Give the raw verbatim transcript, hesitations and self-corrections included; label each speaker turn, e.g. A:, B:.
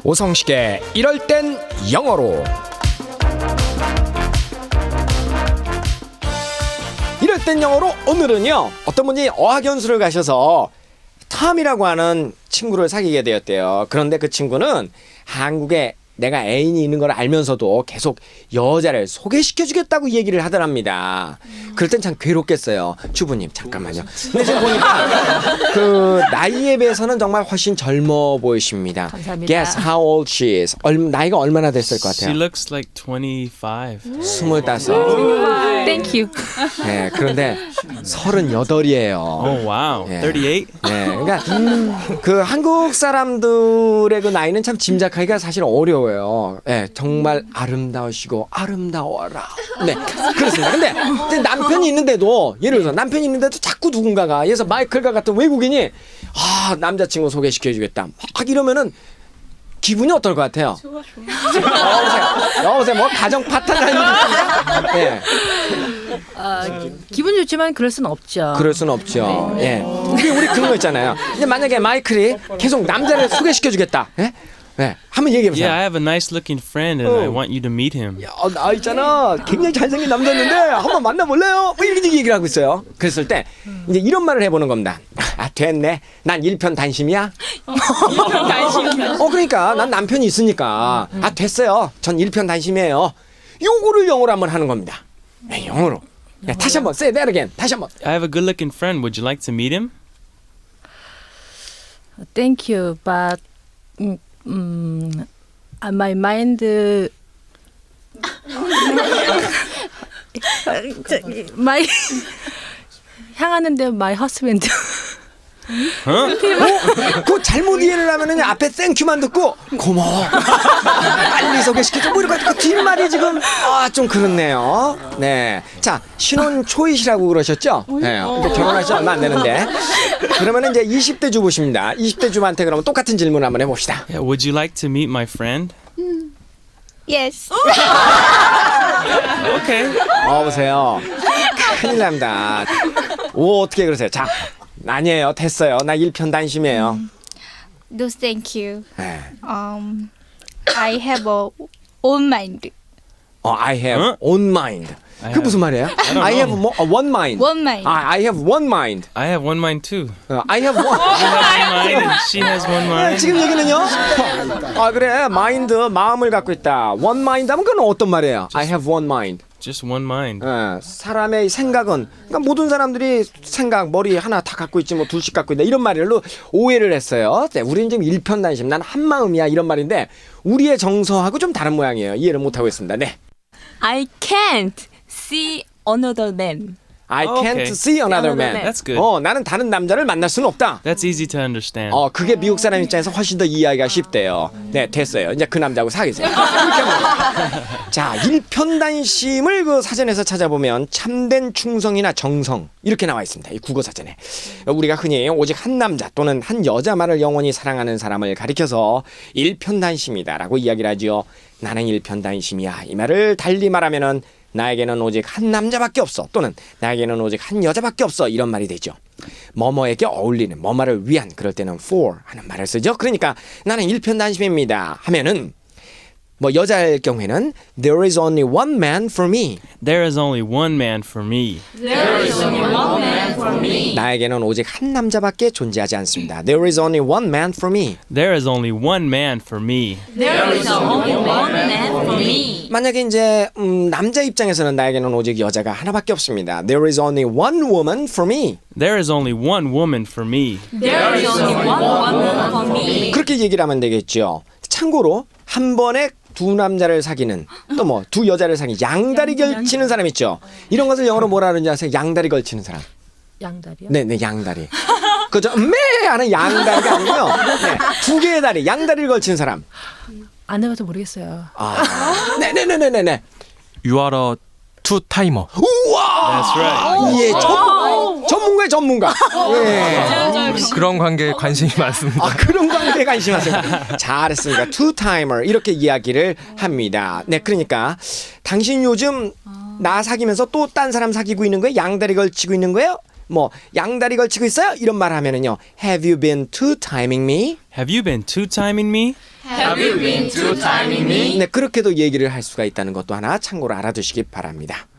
A: 오성식의 이럴 땐 영어로. 이럴 땐 영어로 오늘은요, 어떤 분이 어학연수를 가셔서 탐이라고 하는 친구를 사귀게 되었대요. 그런데 그 친구는 한국에 내가 애인이 있는 걸 알면서도 계속 여자를 소개시켜주겠다고 얘기를 하더랍니다. 그럴 땐 참 괴롭겠어요. 주부님 잠깐만요. 근데 지금 보니까 그 나이에 비해서는 정말 훨씬 젊어 보이십니다.
B: 감사합니다.
A: Guess how old she is. 얼, 나이가 얼마나 됐을 것
C: She
A: 같아요?
C: looks like twenty-five.
A: 스물다섯.
B: Thank you.
A: 네, 그런데 서른여덟이에요.
C: Oh wow,
A: Yeah.
C: thirty-eight.
A: 네, 그러니까 그 한국 사람들의 그 나이는 참 짐작하기가 사실 어려워요. 네, 정말 아름다우시고 아름다워라. 네, 그렇습니다. 근데 이제 남편이 있는데도 예를 들어서 남편이 있는데도 자꾸 누군가가 예서 마이클과 같은 외국인이 아 남자친구 소개시켜주겠다 막 이러면은 기분이 어떨 것 같아요? 좋아 좋아. 여보세요, 여보세요, 뭐 가정 파탄 아닙니까? 네.
B: 아, 기분 좋지만 그럴 순 없죠.
A: 그럴 수는 없죠. 예. 우리 우리 그런 거 있잖아요. 근데 만약에 마이클이 계속 남자를 소개시켜주겠다. 예? 예. 한번 얘기해 보세요.
C: Yeah, I have a nice-looking friend, and I want you to meet him.
A: 야, 어, 나 있잖아. 굉장히 잘생긴 남자였는데 한번 만나볼래요? 뭐 이렇게 얘기를 하고 있어요. 그랬을 때 이제 이런 말을 해보는 겁니다. 아 됐네. 난 일편단심이야. 일편단심이야. 어 그러니까 난 남편이 있으니까 아 됐어요. 전 일편단심이에요. 요거를 영어로 한번 하는 겁니다. 네, 영어로. 네, 다시 한번 say that again. 다시 한번.
C: I have a good-looking friend. Would you like to meet him?
B: Thank you, but 음, 음, uh, my mind 저기, my 향하는데 my husband.
A: 그 잘못 이해를 하면은 앞에 땡큐만 듣고 고마워 빨리 소개시켜줘 뭐 이렇게 그 뒷말이 지금 아 좀 그렇네요. 네, 자 신혼 초이시라고 그러셨죠? 네, 이제 결혼하시 얼마 안 되는데 그러면 이제 이십 대 주부십니다. 이십 대 주부한테 그러면 똑같은 질문 한번 해봅시다.
C: Yeah. Would you like to meet my friend?
D: Yes.
C: Okay.
A: 어 보세요, 큰일 납니다. 오 어떻게 그러세요? 자 아니에요, 됐어요. 나 일편단심이에요.
D: No, thank you.
A: 네.
D: Um, I have a own mind.
A: 어, I have
C: 어?
A: own mind.
C: I
A: 그
C: have-
A: 무슨 말이에요?
C: don't
A: I have
C: know.
A: mo- uh, one mind.
D: One mind.
A: 아, I have one mind.
C: I have one mind too.
A: 어, I have one.
C: You have one mind, and she has one mind.
A: 지금 얘기는요? 아 그래, 마인드 마음을 갖고 있다. One mind 하면 그건 어떤 말이에요? I have one mind.
C: Just one mind.
A: 예, 사람의 생각은 그러니까 모든 사람들이 생각 머리 하나 다 갖고 있지 뭐 둘씩 갖고 있다 이런 말로 오해를 했어요. 네, 우리는 지금 일편단심, 난 한 마음이야 이런 말인데 우리의 정서하고 좀 다른 모양이에요. 이해를 못 하고 있습니다. 네.
E: I can't see another man.
A: I
C: Oh,
A: can't
C: okay.
A: see another
E: Another
A: man.
E: man.
C: That's good.
A: 어, 나는 다른 남자를 만날 수는 없다.
C: That's easy to understand.
A: 어, 그게 미국 사람 입장에서 훨씬 더 이해하기가 쉽대요. 네, 됐어요. 이제 그 남자하고 사귀세요. 이렇게 하면 돼요. 자, 일편단심을 그 사전에서 찾아보면 참된 충성이나 정성 이렇게 나와 있습니다. 이 국어 사전에. 우리가 흔히 오직 한 남자 또는 한 여자만을 영원히 사랑하는 사람을 가리켜서 일편단심이다라고 이야기를 하지요. 나는 일편단심이야. 이 말을 달리 말하면은 나에게는 오직 한 남자밖에 없어 또는 나에게는 오직 한 여자밖에 없어 이런 말이 되죠. 뭐뭐에게 어울리는 뭐뭐를 위한 그럴 때는 for 하는 말을 쓰죠. 그러니까 나는 일편단심입니다 하면은 뭐 여자일 경우에는 there is only one man for me.
C: There is only one man for me.
A: 나에게는 오직 한 남자밖에 존재하지 않습니다. There is only one man for me.
C: There is only one man for me.
A: 만약에 이제 음, 남자 입장에서는 나에게는 오직 여자가 하나밖에 없습니다. There is only one woman for me.
C: There is only one woman for me.
A: 그렇게 얘기를 하면 되겠죠. 참고로 한 번에 두 남자를 사귀는 또 뭐 두 여자를 사귀는 양다리 걸치는 사람 있죠. 이런 것을 영어로 뭐라 그러는지 아세요? 양다리 걸치는 사람.
B: 양다리요?
A: 네, 네, 양다리. 그저 매 하는 양다리가 아니고요. 네, 두 개의 다리, 양다리를 걸치는 사람.
B: 안 해봐서 모르겠어요.
A: 아, 네, 네, 네, 네, 네, 네.
F: You are a two timer.
A: 우와!
C: That's right.
A: 예, 전, 전문가의 전문가. 예.
F: 그런 관계에 관심이 많습니다.
A: 아, 그런 관계에 관심하세요. 잘했습니다. two timer 이렇게 이야기를 합니다. 네, 그러니까 당신 요즘 나 사귀면서 또 딴 사람 사귀고 있는 거예요? 양다리 걸치고 있는 거예요? 뭐 양다리 걸치고 있어요? 이런 말 하면은요. Have you been two timing me?
C: Have you been two-timing me?
G: Have you been two timing me?
A: 네, 그렇게도 얘기를 할 수가 있다는 것도 하나 참고로 알아두시기 바랍니다.